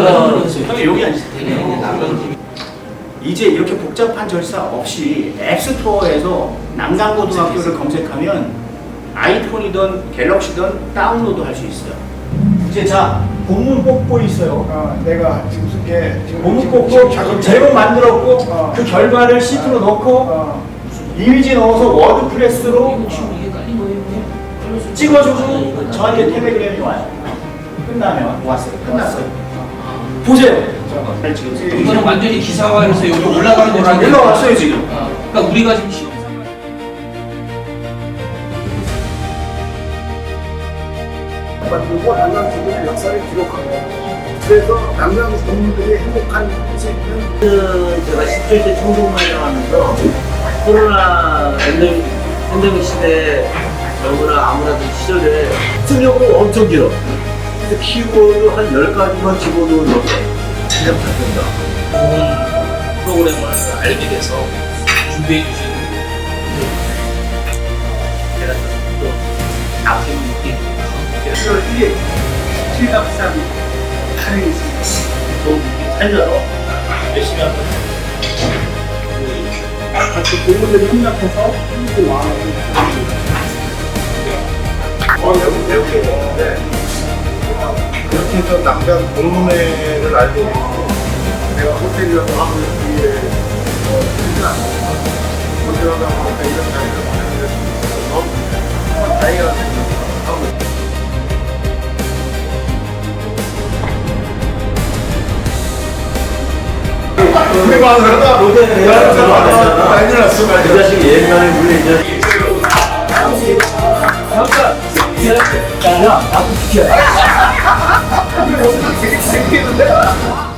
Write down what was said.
형이 여기 앉으세요. 이제 이렇게 복잡한 절차 없이 앱스토어에서 난강고등학교를 검색하면 아이폰이든 갤럭시든 다운로드 할 수 있어요. 이제 자, 본문 뽑고 있어요. 내가 지금 쓴 게 본문 뽑고 제목 만들었고 그 결과를 시트로 넣고 이미지 넣어서 워드프레스로 찍어주고 저한테 텔레그램이 와요. 끝나면 왔어요. 끝났어요. 보세요. 지금 이거는 완전히 기사화해서 여기 올라가는 거라고. 올라왔어요 지금. 그러니까 우리가 지금 시험 만들고 난강주의 역사를 기록하고 그래서 난강 국민들이 행복한 제가 10대 때 청동만을 하면서 코로나 팬데믹 시대에 너무나 아무래도 시절에 승력으로 엄청 길어. 그래서 키워드 한 10가지만 집어넣어서 그냥 다 된다. 좋은 프로그램을 알게 돼서 준비해 주신 제가 또 아쉬운 느낌. 10월 1일 7.3 촬영이 있습니다. 좋은 느낌 살려서 열심히 한 거죠. 같이 공무들이 협력해서 힘을 모아놓은 여기 배우게 되는데 그렇게 해서 남강 동문회를 알게 됐고 내가 호텔이라도 하고 뒤에 쓰지 않고 호텔하다 보니까 이런 자리를 마련해 주셔서 너무 다행이라는 생각을 하고 있습니다. 우리 마누라가 난리 났어. 그 자식이 옛날에 물리 이 자식이 야, 나도 지켜야 돼. 되게 생기는데?